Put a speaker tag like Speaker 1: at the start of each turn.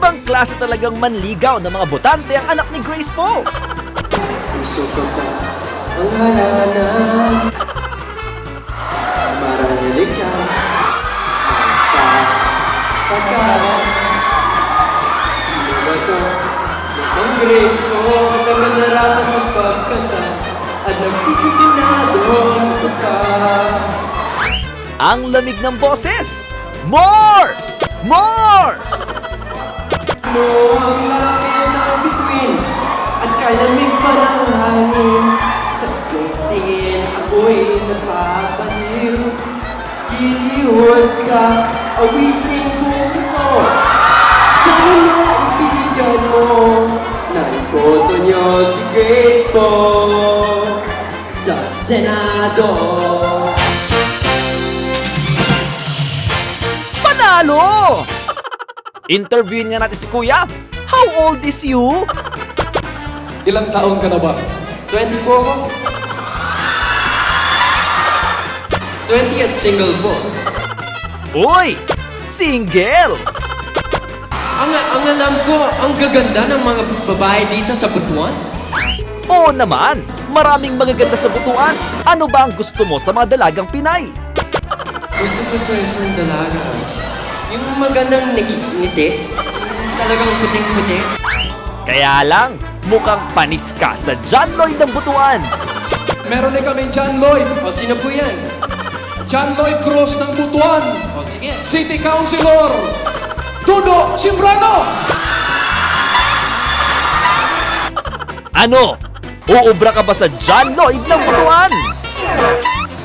Speaker 1: Ibang klase talagang manligaw ng mga botante ang anak ni Grace po.
Speaker 2: Puso ko ka ang haranan. Marahil ikaw magpapagkat. Sino ba to? Ang Grace mo nakakanarapan sa pagkanta at nagsisigurado sa tuka.
Speaker 1: Ang lamig ng boses. More! More!
Speaker 2: Mo ang langit ng bituin at kalamig pa ng hangin. Sa iyong tingin ako'y napapaliw. Giliwan sa awitin kong ito. Sana maibigan mo na iboto niyo si Grace po sa Senado.
Speaker 1: Panalo! Interviewin nga natin si Kuya. How old is you?
Speaker 3: Ilang taon ka na ba?
Speaker 2: 20 po ako. 20 at single po.
Speaker 1: Uy! Single!
Speaker 2: Ang alam ko, ang gaganda ng mga babae dito sa Butuan.
Speaker 1: Oo naman! Maraming magaganda sa butuan. Ano ba ang gusto mo sa mga dalagang Pinay?
Speaker 2: Gusto ko sa isang dalaga. Yung magandang ngiti. Yung talagang puting-puti.
Speaker 1: Kaya lang, mukhang panis ka sa John Lloyd ng butuan.
Speaker 3: Meron din kami John Lloyd.
Speaker 2: O sino po yan?
Speaker 3: John Lloyd Cruz ng Butuan.
Speaker 2: O sige.
Speaker 3: City Councilor. Tudo Simbrano.
Speaker 1: Ano? Uubra ka ba sa John Lloyd ng butuan?